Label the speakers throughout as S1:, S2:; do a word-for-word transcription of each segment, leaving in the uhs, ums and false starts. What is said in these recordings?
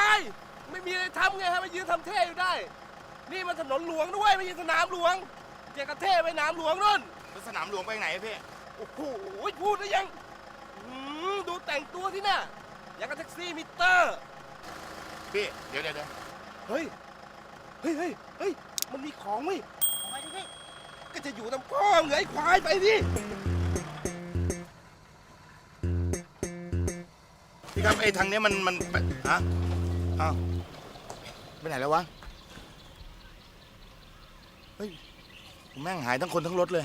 S1: ไม่มีอะไรทำไงฮะมายืนทำเท่อยู่ได้นี่มันถนนหลวงด้วยไม่ใช่สนามหลวงเจ๊กระเท่ไปสนามหลวงนู่น
S2: แล้วสนามหลวงไปไหนพี่
S1: โอ้โหพูดได้ยังดูแต่งตัวที่น่ะอย่างกับแท็กซี่มิเตอร์
S2: พี่เดี๋ยวเดี๋ยว
S1: เฮ้ยเฮ้ยเฮ้ยเฮ้ยมันมีของเว้ยไปดิพี่ก็จะอยู่ตามก้องเหงยควายไปดิ
S2: พี่ครับไอ้ทางนี้มันมันฮะอ้าวไปไหนแล้ววะเฮ้ยแม่งหายทั้งคนทั้งรถเลย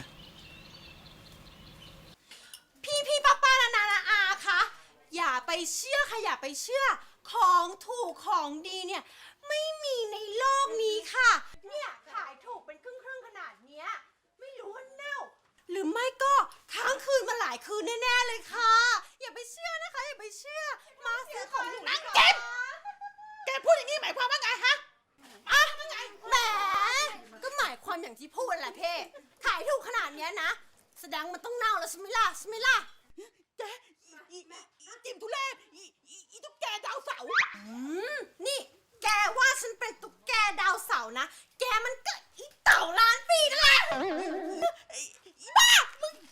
S3: พี่พี่ป้าป้านานานาอาคะอย่าไปเชื่อค่ะอย่าไปเชื่อของถูกของดีเนี่ยไม่มีในโลกนี้ค่ะเนี่ยขายถูกเป็นครึ่งครึ่งขนาดเนี้ยไม่รู้ว่าเน่าหรือไม่ก็ค้างคืนมาหลายคืนแน่ๆเลยค่ะอย่าไปเชื่อนะคะอย่าไปเชื่อมาซื้อของหนูนั่งเก็บแกพูดอย่างนี้หมายความว่าไงฮะอ่ะแหมก็หมายความอย่างที่พูดแหละเพ่ขายถูกขนาดเนี้ยนะแสดงมันต้องเน่าแล้วใช่ไหมล่ะใช่ไหมล่ะแกอีอีจิมทุเรศอีอีอีตุ๊กแกดาวเสาร์อืมนี่แกว่าฉันเป็นตุ๊กแกดาวเสาร์นะแกมันก็อีเต่าล้านปีนั่นแหละอีบ้ามึง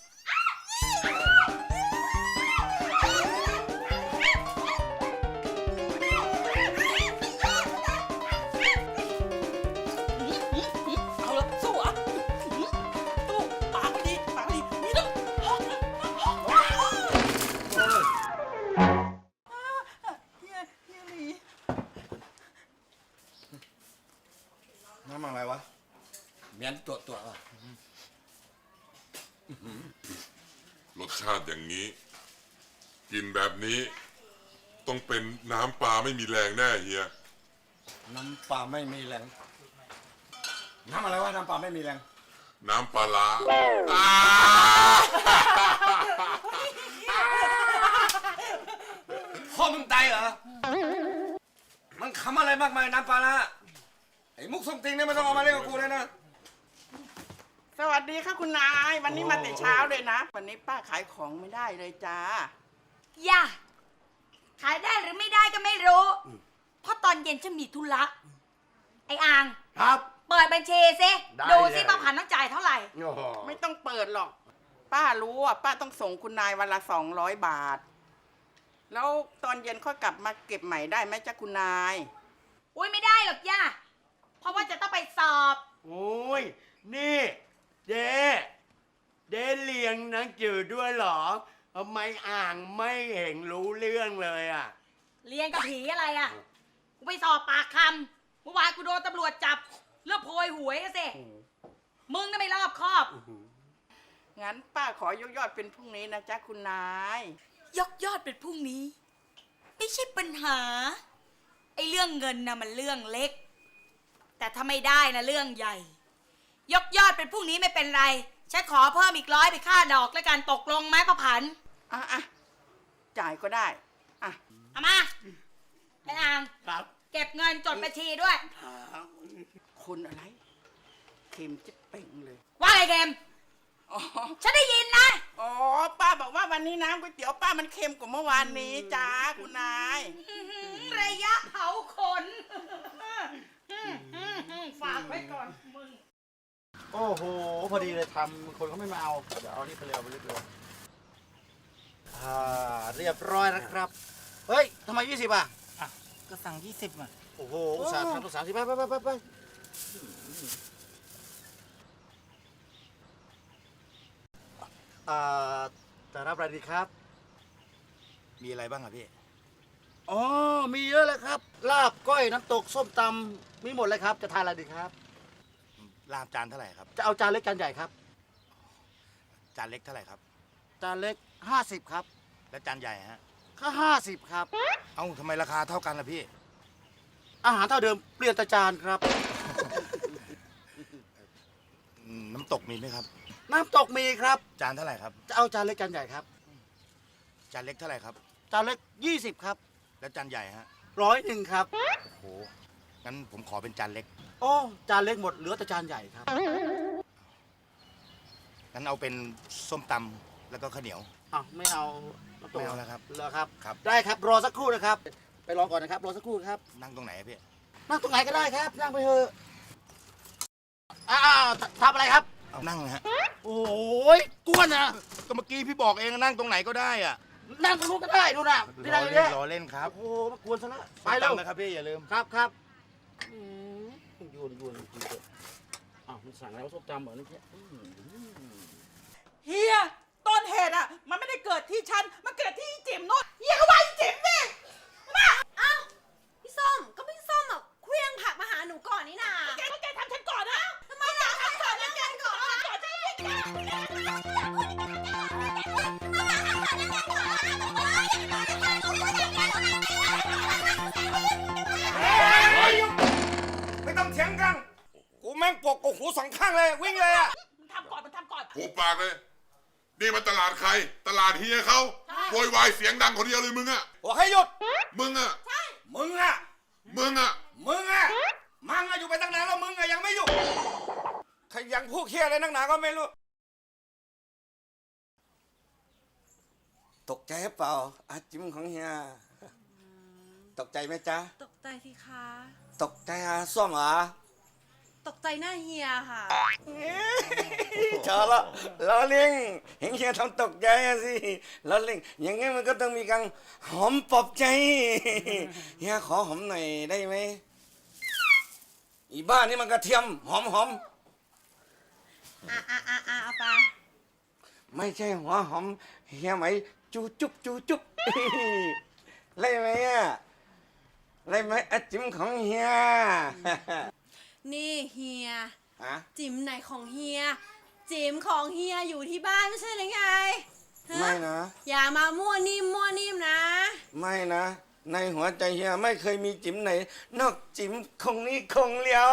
S3: เอาละสู้อ่ะสู้ปากดีปากดีมีต้อง
S2: น้ำอะไรวะ
S4: เมียนตัวตัวว่ะ
S5: รสชาติอย่างนี้กินแบบนี้ต้องเป็นน้ำปลาไม่มีแรงแน่เฮีย
S4: น้ำปลาไม่มีแรงน้ำอะไรวะน้ำปลาไม่มีแรง
S5: น้ำปลาร้า
S4: พ่อมึงตายเหรอมันคำอะไรมากมายน้ำปลาร้าไอ้มุกส่งติงเนี่ยไม่ต้องเอามาเล่นกับกูเลยนะ
S6: สวัสดีค่ะคุณนายวันนี้มาแต่เช้าเลยนะวันนี้ป้าขายของไม่ได้เลยจ้า
S3: อย่าขายได้หรือไม่ได้ก็ไม่รู้เพราะตอนเย็นฉันมีธุระไอ้อ่าง
S4: ครับ
S3: เปิดบัญชีสิดูสิป้าผันต้องจ่ายเท่าไหร่
S6: ไม่ต้องเปิดหรอกป้ารู้ว่าป้าต้องส่งคุณนายวันละสองร้อยบาทแล้วตอนเย็นค่อยกลับมาเก็บใหม่ได้ไหมจ้าคุณนาย
S3: อุ้ยไม่ได้หรอกย่าเพราะว่าจะต้องไปสอบ
S7: โอ้ยนี่เดเดเลี้ยงหนังจืดด้วยเหรอทำไมอ่างไม่เห็นรู้เรื่องเลยอ่ะ
S3: เรียนกับผีอะไรอ่ะกูไปสอบปากคำเมื่อวานกูโดนตำรวจจับเรื่องโพยหวยสิมึงน่ะไม่รอบคอบ
S6: งั้นป้าขอยกยอดเป็นพรุ่งนี้นะจ๊ะคุณนาย
S3: ยกยอดเป็นพรุ่งนี้ไม่ใช่ปัญหาไอ้เรื่องเงินนะมันเรื่องเล็กแต่ถ้าไม่ได้นะเรื่องใหญ่ยกยอดเป็นพรุ่งนี้ไม่เป็นไรฉันขอเพิ่มอีกร้อยไปค่าดอกแล้วกันตกลงไหมป้าผัน
S6: อ่ะอ่ะจ่ายก็ได้อ่ะ
S3: เอามาไอ้อ่าง
S7: ครับ
S3: เก็บเงินจดบัญชีด้วย
S6: คนอะไรเค็มจะเป่งเลย
S3: ว่าไงเค็ม
S6: อ๋อ
S3: ฉันได้ยินนะ
S6: อ๋อป้าบอกว่าวันนี้น้ำก๋วยเตี๋ยวป้ามันเค็มกว่าเมื่อวานนี้จ้าคุณนาย
S3: ระยะเผาขนฝากไว้ก่อนมึง
S2: โอ้โหพอดีเลยทำคนเขาไม่มาเอาเดี๋ยวเอานี่ไปเร็วไปเร็วอ่าเรียบร้อยนะครับเฮ้ยทำไมยี่สิบอ่ะ
S6: อ่ะก็สั่งยี่สิบอ่ะ
S2: โอ้โหอุตส่าห์ทำต้องสามสิบไปไปไปไปไปอ่าจะรับอะไรดีครับมีอะไรบ้างอ่ะพี่อ๋อมีเยอะเลยครับลาบก้อยน้ำตกส้มตำมีหมดเลยครับจะทานอะไรดีครับลาบจานเท่าไหร่ครับจะเอาจานเล็กจานใหญ่ครับจานเล็กเท่าไหร่ครับจานเล็กห้าสิบครับแล้วจานใหญ่ฮะก็ห้าสิบครับเอ้าทำไมราคาเท่ากันล่ะพี่อาหารเท่าเดิมเปลี่ยนแต่จานครับน้ำตกมีไหมครับน้ำตกมีครับจานเท่าไหร่ครับจะเอาจานเล็กจานใหญ่ครับจานเล็กเท่าไหร่ครับจานเล็กยี่สิบครับแล้วจานใหญ่ฮะร้อยหนึ่งครับโอ้โหงั้นผมขอเป็นจานเล็กโอ้จานเล็กหมดเหลือแต่จานใหญ่ครับงั้นเอาเป็นส้มตำแล้วก็ข้าวเหนียวอ้าวไม่เอาไม่เอาแล้วครับเหรอครับครับได้ครับรอสักครู่นะครับไปรอก่อนนะครับ รอสักครู่ครับ
S4: นั่งตรงไหนอะพี่
S2: นั่งตรงไหนก็ได้ครับ นั่งไปเถอะอ้าวทำอะไรครับ
S4: เอานั่งนะฮะ
S2: โอ้ยกวนนะ
S4: ก็เมื่อกี้พี่บอกเองนั่งตรงไหนก็ได้อ่ะ
S2: นั่งตรงนู้นก็ได้ดูนะที่
S4: ร
S2: นั่
S4: อง
S2: อยู่
S4: เล่
S2: เนี่
S4: น
S2: ย
S4: รอเล่นครับ
S2: โอ้โหมากวนซะแล้วไปแล้ว
S4: จำนะครับพี่อย่าลืม
S2: ครับครับอืมยวนยวนจริงๆเลยอ้าวมันสั่งอะไรวะส้มตำเหรอนี่แค่อืม
S6: เฮียต้นเหตุอ่ะ มันไม่ได้เกิดที่ฉัน มันเกิดที่จิ๋มโน่นเฮียก็ว่าไอ้จิ๋มนี่มา
S3: อ้าวพี่ส้มก็พี่ส้มอ่ะเคลี้ยงผักมาหาหนูก่อนนี่นา
S6: แกก็แกทำฉันก่อนนะ
S3: ทำไมอยากทำก่อนนะแกก่อนนะ
S6: ก่อนฉัน
S4: ไม่ต้องเถียงกัน กูแม่งปกกหูสองข้างเลย วิ่งเลยอ่ะ
S6: มันทำก่อน มันทำก่อน
S5: หูปากเลย นี่มันตลาดใคร ตลาดเฮียเขาโวยวายเสียงดังคนเดียวเลยมึงอะ
S4: บอกให้หยุด
S5: มึงอะ
S4: มึงอ่ะ
S5: มึงอะ
S4: มึงอ่ะ มังอะอยู่ไปตั้งนานแล้วมึงอะยังไม่หยุดใครยังพูดเคี้ยอะไรนักหนาก็ไม่รู้ ตกใจหรือเปล่าอาจิมของเฮีย ตกใจไหมจ๊ะ
S3: ตกใจสิคะ
S4: ตกใจอาส้มเหรอ
S3: ตกใจหน้าเฮียค่ะ
S4: เจอละล้อเล่งเห็นเฮียทำตกใจอะสิล้อเล่งอย่างงี้มันก็ต้องมีการหอมปลอบใจเฮียขอหอมหน่อยได้ไหมอีบ้านี่มันกระเทียมหอมหอม
S3: อ่ะอ่ะอ่ะอ่ะเอาไป
S4: ไม่ใช่หัวหอมเฮียไหมจูจุบจูจุบ ไล่ไหมอ่ะไล่ไหมอาจิมของเฮีย
S3: นี่เฮีย
S4: อะ
S3: จิ๋มไหนของเฮีย จิ๋มของเฮียอยู่ที่บ้านไม่ใช่หรือไงฮ
S4: ไม่นะ
S3: อย่ามามั่วนิ่มมั่วนิ่มนะ
S4: ไม่นะ ในหัวใจเฮียไม่เคยมีจิ๋มไหน นอกจิ๋มคงนี้คงเลียว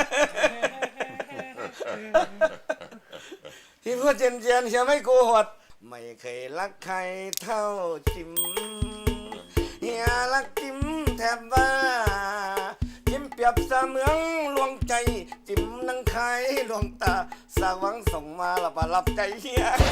S4: ที่พูดเจนเจนๆเฮียไม่โกหกไม่เคยรักใครเท่าจิ๋มเฮียรักจิ๋มแทบบ้าจิ๋มเปรียบเสมือนลวงใจ จิ๋มนังไขลวงตาสาหวังส่งมาละบารับใจเฮีย